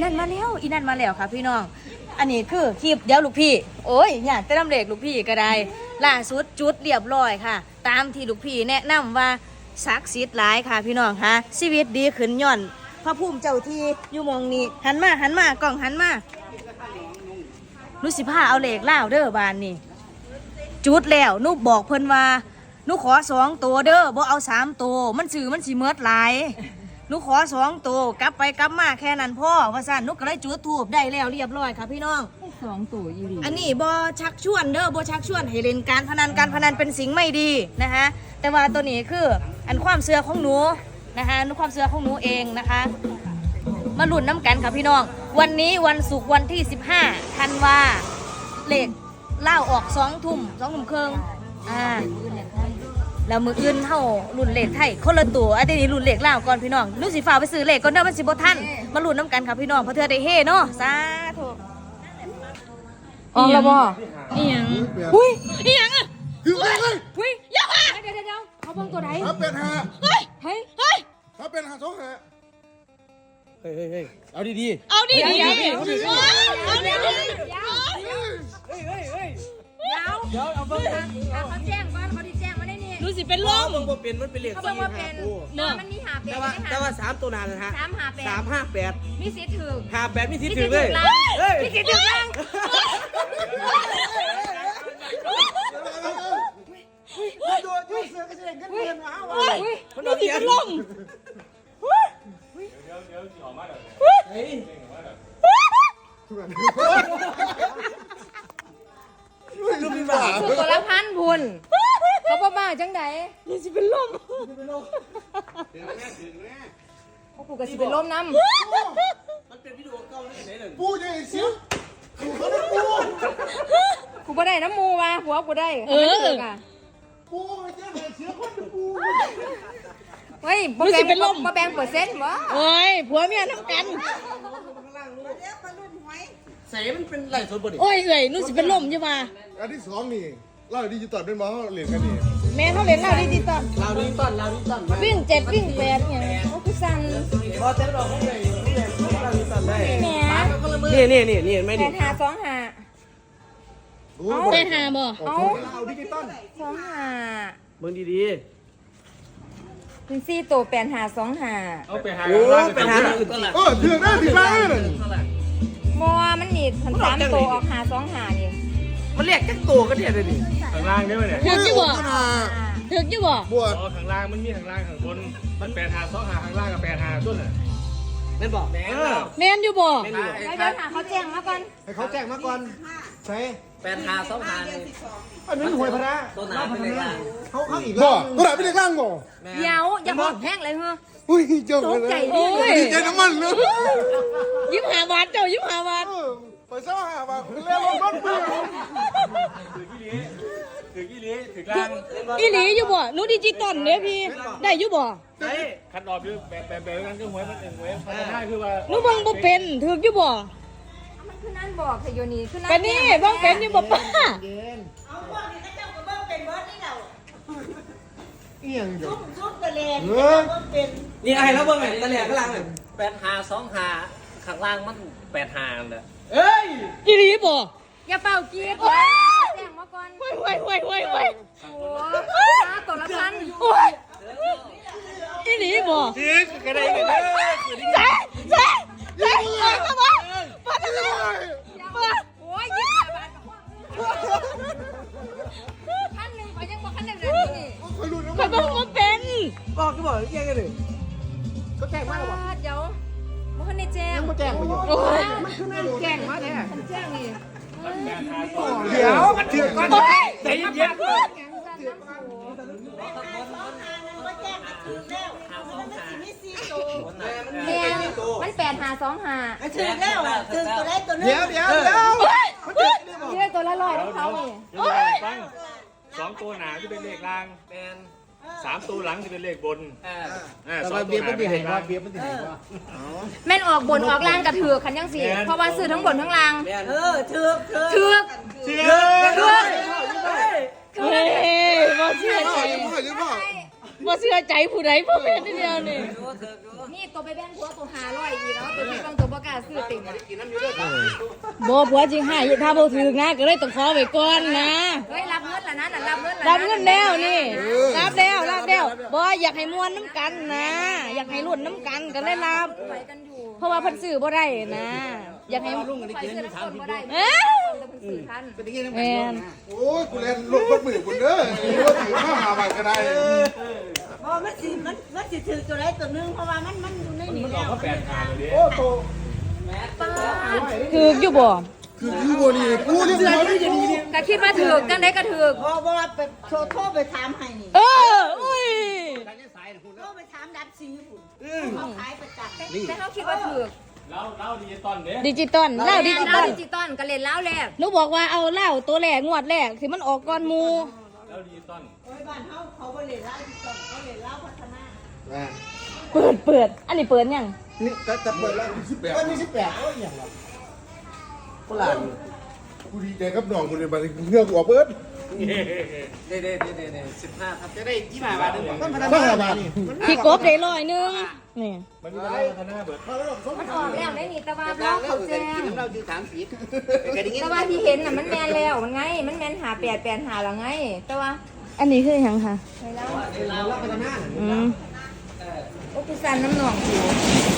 นั่นมาแล้วค่ะพี่น้องอันนี้คือคลิปเดี๋ยวลูกพี่โอ้ยอยากจะนำเลขลูกพี่ก็ได้ล่าสุดจุดเรียบร้อยค่ะตามที่ลูกพี่แนะนำว่าศักดิ์สิทธิ์หลายค่ะพี่น้องค่ะชีวิตดีขึ้นย่อนพระภูมิเจ้าที่อยู่มองนี้หันมากล่องหันมานุสิผ้าเอาเลขเล่าเด้อบานนี่จุดแล้วนุบอกเพิ่นว่านุขอ2 ตัวเด้อบ่เอา3 ตัวมันสื่อมันสิเมิดหลายนุขอ2 ตัวกลับไปกลับมาแค่นั้นพ่อว่าซั่นนุก็เลยจุดธูปได้แล้วเรียบร้อยค่ะพี่น้อง 2 ตัวอีหลีอันนี้บ่ชักชวนเด้อบ่ชักชวนให้เล่นการพนันเป็นสิ่งไม่ดีนะคะแต่ว่าตัวนี้คืออันความเชื่อของหนูนะคะความเชื่อของหนูเองนะคะมาลุ้นน้ำกันค่ะพี่น้องวันนี้วันศุกร์วันที่15ธันวาเลขเล่าออก2 ทุ่มครึ่งแล้วมืออื่นเท่ารุ่นเลขไทยคนละตัวอันนี้รุ่นเลขเล่าก่อนพี่น้องลูกสีฟ้าไปซื้อเลขก่อนเด้อมันสิบ่ทันมาลุ้นน้ำกันค่ะพี่น้องเพราะเธอได้เฮ่เนาะสาธุออกแล้วบ่อีหยังอุ้ยอีหยังอ่ะคือไงอุ้ยอย่ามาเดี๋ยวเขาเบิ่งตัวใดถ้าเป็นหาเฮ้ยถ้าเป็นหา2 หาเฮ้ยเอาดีเอาดีเอาดีๆเดี๋ยวเอาเบิ่งนะเขาแจ้งก่อนเขาที่แจ้งมาได้นี่ดูสิเป็นลมเบิ่งบ่เป็นมันเป็นเลขเขาบอกว่าเป็นมันมีหาเป็ดแต่ว่า3 ตัวนานนะฮะ 358 มีสิทธิ์ถือ 58มีสิทธิ์ถึงเลยมีสิทธิ์ถือล่างดูเสือก็จะเห็นกันเงินมาเอามันดูสิเป็นลมลูกมีบ้าตัวละพันพุนเขาบ้าจังไดนี่สิเป็นลมเขาปลูกกับสิเป็นลมน้ำมันเป็นวิดีโอเก่าเลยไหนเลยปูจะเห็นเสียงเขาได้ปูกูบ่ได้น้ำมูว่ะหัวกูได้ปูจะเห็นเสียงคนปูเฮ้ยบ่แบ่งเปอร์เซ็นต์วะโอ้ยผัวเมียน้ำกันใส่มันเป็นไหลสดบ่ดิโอ้ยเอ้ยนู่นสิเป็นลมอยู่มาอันที่2นี่เล่าดิจิตอลเป็นมาเขาเรียนกันนี่แม่เขาเล่นเราดิจิตอลเราดีต้นวิ่ง7วิ่ง8เนี่ยเขาคือสั่นพอเต็มดอกเขาเลยเราดีต้นได้แหมนี่เห็นไหมดิ 8 หา 2 หาได้หาบ่เอาดิจิตอล 2 หาเบิ่งดีเป็น4ตัว8 หา 2 หาๆเอาไปหาโอ้ไปหาอื่นก็ละถือได้ถือได้เลยบ่มันนี่3ตัวออกหา 2 หานี่มันเรียกจักตัวก็เนี่ยเลยดิข้างล่างได้ไหมเนี่ยถึกอยู่บ่ถึกอยู่บ่บวชข้างล่างมันมีข้างล่างข้างบนมัน8 หา 2 หาข้างล่างกับ8 หาต้นน่ะแม่นบอกแม่นแม่นอยู่บ่เดี๋ยวหาเขาแจ้งมาก่อนให้เขาแจ้งมาก่อนใช่ 8 หา 2 หานี่อันนี้หวยพระตัวหนาเป็นเลขล่างเขาอีกบ่ตัวไหนเป็นเลขล่างบ่เดี๋ยวอย่าบอกแห้งเลยเฮ้ออุ้ยเจ้าตกใจดิโอ้ยดีใจน้ำมันเลย 25 บาทเจ้า25 บาทไปเศร้าหาบ่เรียกรถเปลี่ยนถือกี่ลี้ถือล่างอีหลีอยู่บ่หนูดิจิตอลเด้พี่ได้อยู่บ่เฮ้ยคัดออกคือแบบนั้นคือหวยมันหวยพัฒนาคือว่าหนูเบิ่งบ่เป็นถึกอยู่บ่มันคือนั่นบอกแต่โยนี่คือนั่นก็นี่เบิ่งเป็นอยู่บ่ป้าเอียงอยู่นี่ไอ้แล้วเบิ่งไงตะแหลกข้างล่าง8 หา 2 หาข้างล่างมัน8 หาเลยอีหลีบ่อย่าเป่ากีดแจ้งมาก่อนเว้ยโอ้ตัวละพันอีหลีบ่ซื้อกันได้กันเด้อเซ่เข้ามาป้าทำไมป้าโอ้ย25 บาทพันหนึ่งขอยังบอกพันหนึ่งเลยนี่คอยรู้นะข้อยบอกว่าเป็นบอกก็บอกแย่กันเลยก็แจ้งมาแล้วบอกเดี๋ยวบ่ทันได้แจ้งแจ้งไปอยู่โอ้ยมันคือนั่นแจ้งมาแท้ฉันแจ้งนี่เดี๋ยวมันถือกันโอ้ยใจเย็นแม่มัน8 หา 2 หาถึงแล้วถึงตัวได้ตัวเดี๋ยวนี่ได้ตัวละ100ของเขานี่เดี๋ยวฟัง2 ตัวหนาที่เป็นเลขล่างแมน 3 ตัวหลังที่เป็นเลขบนแต่ 2 ว่าตัเบีวยร์หมัน้านดีเป็นเลให้ขว่าล่างเบียร์มันดีให้ว่าแม่นออกบนออกล่างกระถือคันยังสิเพราะว่าซื้อทั้งบนทั้งล่างแมนถือกเฮ้ยบ่เชื่อใจพ่อบ่เชื่อใจผู้ใดผู้เป็นเดียวนี่นี่ตัวไปแบ่งผัวตัว500อีกแล้วตัวที่ต้องตัวบ่กล้าซื้อติ่งบ่ผัวจริงให้ถ้าบ่ถึกนะก็เลยต้องขอไว้ก่อนนะเฮ้ยรับเงินล่ะนะน่ะรับเงินล่ะรับเงินแล้วนี่รับแล้วบ่อยากให้ม่วนน้ำกันนะอยากให้รุ่นน้ำกันก็เลยรับไปกันอยู่เพราะว่าเพิ่นซื้อบ่ได้นะอยากให้ไปซื้อน้ำคนบ่ได้เอ้ยแต่เพิ่นซื้อทันแม่นโอ้ยกูเล่นลูกคนมือคุณเด้อรถถือมาหาใหม่ก็ได้บ่มันสิถือตัวใดตัวหนึงเพราะว่ามันอยู่ในนี้มันออกมา8,500เลยโอ้โตถูกอยู่บ่คือโบนี่กูนี่มันไม่จะดีนี่ก็คิดว่าถูกจังได๋ก็ถูกบ่ว่าไปโทรไปถามให้นี่อุ้ยโทรไปถามดับซีพุ่นเขาขายประจักษ์แต่เขาคิดว่าถูกเล่าดิจิตอลเด้ดิจิตอลเหล้าดิจิตอลดิจิตอลก็เล่นแล้วแหละหนูบอกว่าเอาเหล้าตัวแรกงวดแรกที่มันออกก่อนหมู่เล่าดิจิตอลโอ้ยบ้านเขาบ่เล่นเหล้าที่ต้นเขาเล่นเหล้าพัฒนาเปิดอันนี้เปิดยังนี่จะเปิดแล้ว18วันนี้18โอ้ยอย่างละฝรั่งกูดีใจกับน้องกูเลยบัดนี้เงือกออกเบิดเด้15ครับจะได้ 25 บาทนึงบ้าบาทพี่กบได้100นึงนี่มันมีอะไรพัฒนาเบิดมันออกแล้วได้นี่แต่ว่าเราเขาแจ้งแต่ว่าที่เห็นน่ะมันแม่นแล้วมันไงมันแม่น5885แล้วไงแต่ว่าอันนี้คือหยังคะไปแล้วอืมโอ้พี่สันน้ำหนองสิว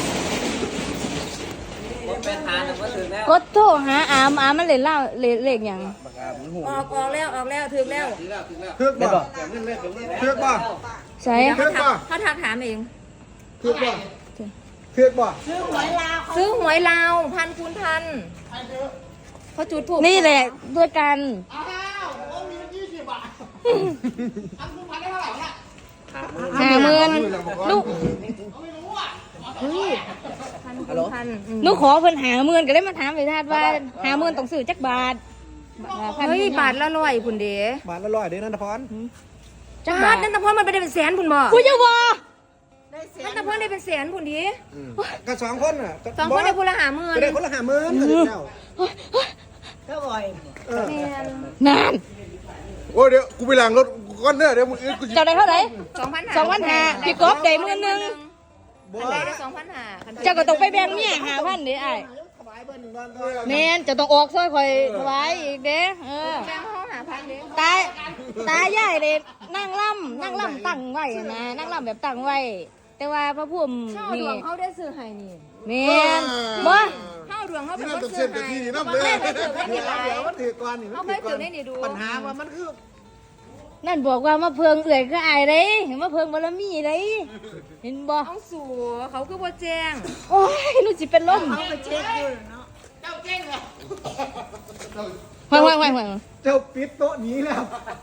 8,500นึงก็ถึงแล้วกดโทรหาอามมันเล่นเหล้าเลขหยังออกแล้วถึกแล้วเทือกบ่เทือกบ่ใช่เดี๋ยวเขาทักถามเองเทือกบ่เทือกบ่ซื้อหวยลาวซื้อหวยลาวพันคูณพันเขาจุดถูกนี่แหละด้วยกัน 50,000ลูกพันคูณพันหนูขอเพิ่น50,000ก็เลยมาถามไปทาดว่า50,000ต้องซื้อจักบาทเฮ้ยบาทละร้อยคุณเด้บาทละ100เด้อนันทพรจักบาบาททนั่นแต่พ่อมันไปได้เป็นแสนคุณบ่กูจะบ่ได้เสียนั่นแต่พ่อได้เป็นแสนคุณดีก็2คนน่ะสองคนได้คนละ50,000 ก็ได้คนละ50,000ก็ได้แล้วก็บ่อยแม่นนานโอ้เดี๋ยวกูไปล้างรถก่อนเด้อเดี๋ยวมึงกูเจ้าได้เท่าไหร่ 2,500 พี่กบได้มื้อนึงอันใดได้2,500 เจ้าก็ต้องไปแบ่งเมีย5,000เด้อ้ายแม่นจะต้องออกซอยข่อยถวายอีกเด้แบ่งห้อง5,000เด้ตายายเด้นั่งล่ำตั้งไว้นะนั่งล่ำแบบตั้งไว้ แต่ว่าพระพุ่มเฮาดนี่วงเขาได้ซื้อให้นี่แม่นบ่เฮาดวงเขาเป็นนี่คนต้องซื้เส้อน ให้ที่นี่เขาน้ำเคเด้อยถือได้นี่หลายเดี๋ยวมันถือก่อนนี่เขาเคยถือได้นี่ดูปัญหาว่ามันคือนั่นบอกว่ามาเพิงเอื่อยก็อายเด้เห็นมาเพิงบารมีเด้เห็นบ่ต้องสู่เขาคือบ่แจ้งโอ้ยหนูสิเป็นลมเขาไปเช็คอยู่เนาะห่วยเจ้าปิดโต๊ะนี้แล้ว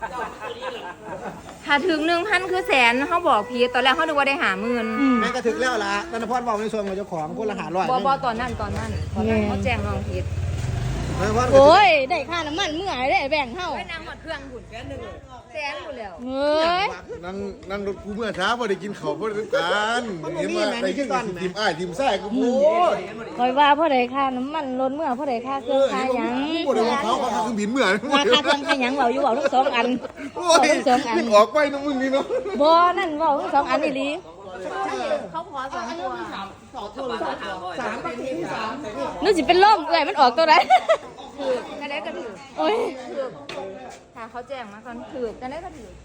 ถ้าถึง 1,000 คือแสนเขาบอกพีตอนแรกเขานึกว่าได้50,000 แม่ก็ถึงแล้วล่ะนันทพรบอกในส่วนของเจ้าของคนละ500 บ่ตอนนั้นเขาแจ้งน้องผิดโอ้ยได้ค่าน้ำมันเมื่อไหร่ได้แบ่งเฮาไปนั่งหมดเครื่องหุ่นแค่นึงแสนหมดแล้วเฮ้ยนั่งรถกูเมื่อเช้าพอได้กินข้าวพอได้กันเห็นว่าได้กินทีมอ้ายทีมไส้กูโอ้ยคอยว่าพ่อได้ค่าน้ำมันลดเมื่อพ่อได้ค่าเครื่องค่าหยังบ่ได้ว่าเขาเครื่องบินเมื่อว่าค่าเครื่องค่าหยังเว้าอยู่เว้าทั้งสองอันโอ้เว้าย ทั้งสองอันนึกออกไปน้องมึงนี่เนาะบ่นั่นเว้าทั้งสองอันอีหลีเขาขอ2ตัวหนูสิเป็นลมเอ้ยมันออกตัวใดถือกันได้ก็ถือโอ้ยถือถ้าเขาแจ้งมาก่อนถือกันได้ก็ถือ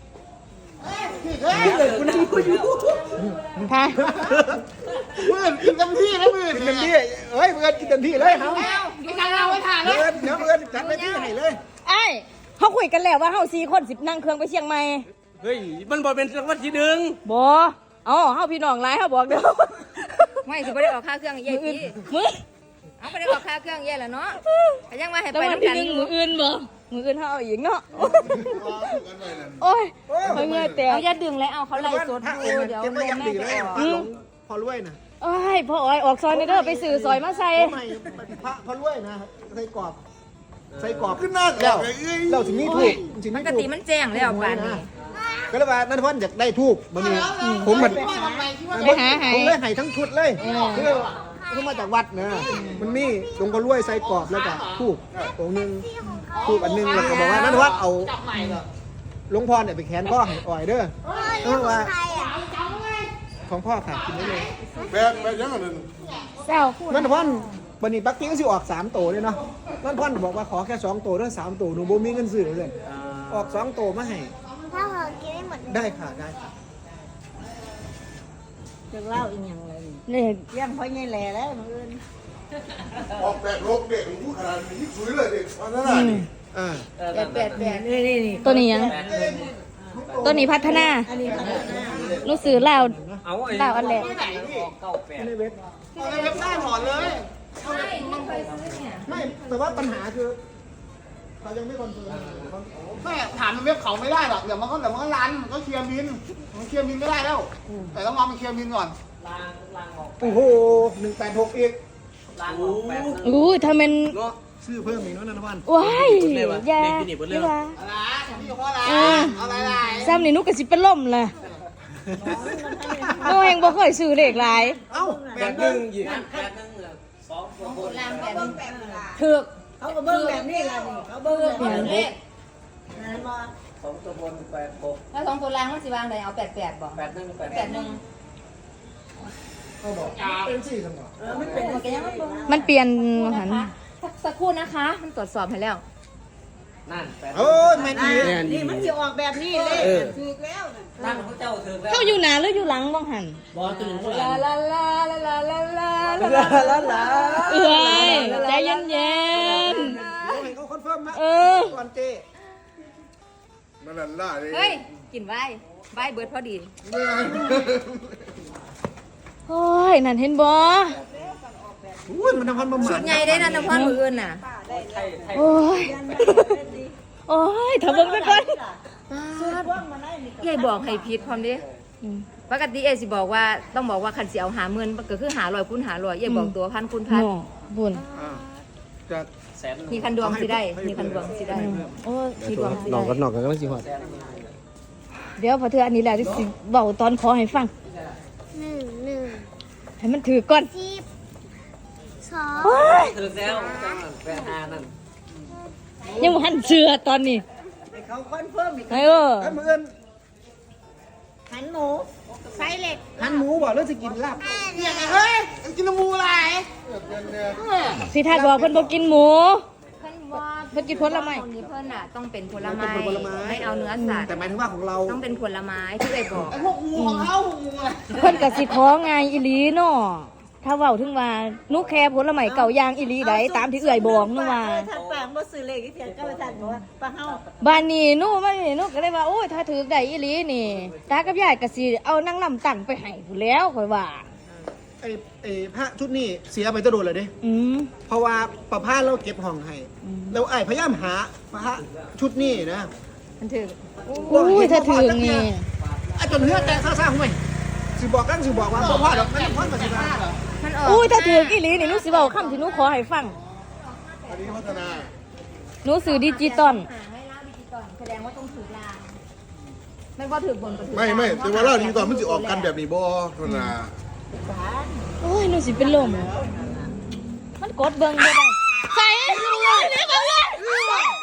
ค่ะเพื่อนกินเต็มที่แล้วเพื่อนกินเต็มที่เฮ้ยเพื่อนกินเต็มที่เลยเฮาอยู่กันเราไว้ถ่ายเพื่อนเดี๋ยวเพื่อนจัดไปที่ให้เลยไอ้เขาคุยกันแล้วว่าเฮา4คนสินั่งเครื่องไปเชียงใหม่เฮ้ยมันบ่เป็นรางวัลที่หนึ่งบ่เฮาพี่น้องหลายเฮาบอกเด้อไม่สิบ่ได้ออกค่าเครื่องเย่พี่มื้อเอาไปได้ออกค่าเครื่องเย่แล้วเนาะแต่ยังว่าให้แต่ไปวันน้ำที่กันหนึ่งอยู่มื้ออื่นบ่มื้ออื่นเฮาเอาอีกเนาะโอ้ยเฮ้ยเงื่อแตกเอาอย่าดึงเลยเอาเขาไล่สดดูเดี๋ยวเก็บไว้แม่ยังแม่ดีจะเลยออกพอรวยนะโอ้ยพ่ออ้อยออกซอยนี่เด้อไปซื้อซอยมาใส่ไม่พอรวยนะใส่กรอบขึ้นหน้าแล้วเราถึงนี่ถูกถึงปนี่กถูติกมันแจ้งแล้วป่านนี้ก็เลยว่านันทพรอยากได้ทูบมันมีผมมันไปหาให้ผมเลยให้ทั้งชุดเลยคือมาจากวัดนะมันมีหลวงพ่อรวยใส่กรอบแล้วก็ทูบองค์นึงทูบอันนึงแล้วก็บอกว่านันทวัฒน์เอาหลวงพ่อเนี่ยไปแขนข้อให้อ่อยเด้อเพราะว่าของพ่อค่ะกินได้เลยแบบยังไงนึงแซวพูดนั่นพ่อนบันนี้ปักกิ้งสิออก3 โตเลยเนาะนั่นพ่อนบอกว่าขอแค่2 โตด้วย3 โตหนูบ่มีเงินซื้อเลยออก2 โตมาให้ถ้าเรากินได้หมดได้ค่ะได้ค่ะจะเล่าอีกอย่างเลยนี่ยังพ่อใหญ่แหล่แล้วมื้ออื่นออกแบบโลกเด็กหูขนาดนี้สวยเลยเด็กเพราะนั่นนี่อ่าแปดนี่ตัวนี้ยังตัวนี้พัฒนาอันนี้ค่ะหนูซื้อลาวเอาไอ้ลาวอันแรกออกเก้าแปดในเว็บในเว็บไซต์ถอนเลยใช่ไม่เคยซื้อเนี่ยไม่แต่ว่าปัญหาคือเขายังไม่คอนเฟิร์มไม่ถามในเว็บเขาไม่ได้หรอกเดี๋ยวมันก็รันมันก็เคลียร์บินมันเคลียร์บินไม่ได้แล้ว แต่ต้องรอมันเคลียร์บินก่อนล่างออกโอ้โห186อีกล่างออกแปดอู้ถ้ามันซื้อเพิ่มอีกเนาะนันทวันว้ายอย่าอย่าว่าอะไรพี่พ่ออะไรเอออะไรซ้ำนี่หนุก็สิเป็นล่มเลยโอ้เองบ่เคยซื้อเลขหลายเอ้าแปดหนึ่งอีกแปดหนึ่งสองตัวบนถูกเขาก็เบิ่งแบบนี้ล่ะนี่เขาเบิ่งแบบนี้นั่นบ่สองตัวบนแปดหกแล้ว2ตัวล่างมันสิวางได้เอา88บ่แปดหนึ่งแปดเขาบอกเป็นสี่สมองมันเป็นอย่างนี้มันเบิ่งมันเปลี่ยนหันสักครู่นะคะ มันตรวจสอบให้แล้วนั่นแปดโอ้ยแม่ดีนี่มันสิออกแบบนี้เลยถูกแล้วน่ะนั่นพระเจ้าถึงแล้วเฮาอยู่หน้าหรืออยู่หลังบ้างหันบอลตัวหนึ่งเท่าไหร่ลาลาลาลาลาลาลาลาลาเอ้ยใจเย็นเดี๋ยวให้เขาคอนเฟิร์มนะๆเออก่อนเจนั่นล่ะเลยเฮ้ย กินไว้ไว้เบิดพอดี โอ้ย นั่นเห็นบ่อุ้ยมันทำพันประมาชุณดใหญ่ได้นั่นนะพ่อมืออื่นน่ะไทยไทยโอ้ย โอ้ยถ้าเบิ่งไปก่อนพวกมันได้นี่ยายบอกให้ผิดพร้อมดิปกติเอสิบอกว่าต้องบอกว่าคันสิเอา50,000ก็คือ500คูณ500ยายบอกตัวพันคูณพันบุญจะแสนมีคันดวงสิได้ มีคันดวงสิได้ โอ้ยมีดวงสิหนอกได้กันหนอกกันก็สิหอดเดี๋ยวพอเธออันนี้แหละที่สิเบาตอนขอให้ฟัง 1 ให้มันถือก่อน 10 2 โอ้ยถึงแล้วจังนั่นแปดห้านั่นยังบ่หันเชื่อตอนนี้ให้เขาคอนเฟิร์มอีกเออแล้วมืออื่นหันหมูไซเล็กหันหมูบ่หรือสิกินลาบเฮ้ยกินน้ำมูอะไรสิทัดบอกเพิ่นบ่กินหมูเพิ่นกินผลไม้ของนี้เพิ่นน่ะต้องเป็นผลไม้ไม่เอาเนื้อสัตว์แต่หมายถึงว่าของเราต้องเป็นผลไม้ที่เอ้ยบอกพวกงูของเขาพวกงูอะไรเพิ่นก็สิขอไงอีหลีเนาะถ้าเว้าถึงว่าหนูแค่ผลไม้เก่าอย่างอีหลีใดตามที่เอื้อยบอกหนูว่าท่านแปลงบ่ซื้อเลขที่เถียงก็ท่านบอกว่าป้าเฮาบ้านนี้หนูไม่หนูก็เลยว่าโอ้ยถ้าถือได้อีหลีนี่ตากับยายก็สิเอานางลำตั้งไปให้ผู้นแหล้วข่อยว่าไอ้พระชุดนี้เสียไปตะโดดเลยดิอืมเพราะว่าประพาเราเก็บห้องให้แล้วไอ้พยายามหาพระชุดนี้นะมันถืออุ้ยถ้าถือนี่ไอ้จนเนื้อแตกซ่าๆห่วยสิบอกกันสิบอกว่าพ่อดอกไม่ต้องพ่อมาสิมามันออกอุ้ยถ้าถืออีหลีนี่หนูสิเว้าคำที่หนูขอให้ฟังอันนี้พัฒนาหนูซื้อดิจิตอลให้ล่าดิจิตอลแสดงว่าต้องถือลางไม่ว่าถือบนก็ถือไม่แต่ว่าเราดีก่อนมันจะออกกันแบบนี้บ่พัฒนาโอ้ยหนูสิเป็นลมมันกดเบิ่งบ่ได้ใส่เลย